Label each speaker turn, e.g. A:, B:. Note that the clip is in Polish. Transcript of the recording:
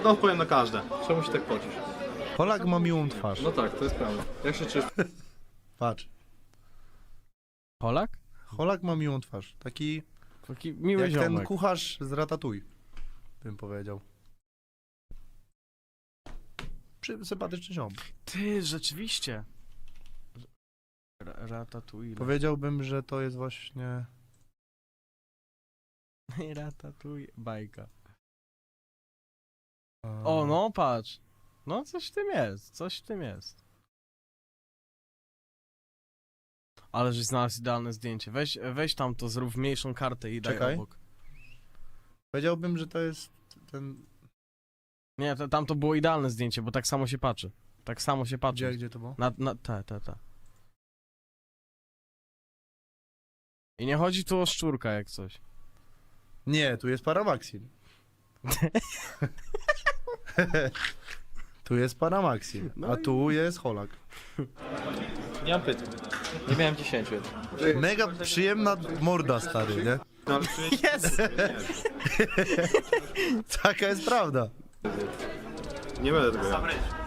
A: odpowiem na każde. Czemu się tak pocisz?
B: Polak ma miłą twarz.
A: No tak, to jest prawda. Jak się czujesz?
B: Patrz.
C: Polak?
B: Polak ma miłą twarz. Taki
C: Taki miły
B: jak ten
C: ziomek.
B: kucharz z Ratatouille, bym powiedział. Sympatyczny ziom.
C: Ty, rzeczywiście. Ratatouille.
B: Powiedziałbym, że to jest właśnie...
C: Ratatouille. Bajka. O, no patrz. No coś w tym jest, coś w tym jest. Ale żeś znalazł idealne zdjęcie. Weź tam to, zrób mniejszą kartę i daj
B: Czekaj.
C: obok.
B: Powiedziałbym, że to jest ten...
C: Nie, tam to było idealne zdjęcie, bo tak samo się patrzy. Tak samo się patrzy.
B: Gdzie to było?
C: Ta. I nie chodzi tu o szczurka jak coś.
B: Nie, tu jest Paramaxin. Tu jest Paramaxin, a tu jest Holak.
A: Nie mam pytań. Nie miałem 10.
B: Mega przyjemna morda, stary, nie?
A: No, ale czuję się...
C: Jest!
B: Taka jest prawda.
A: Nie będę tego jadł.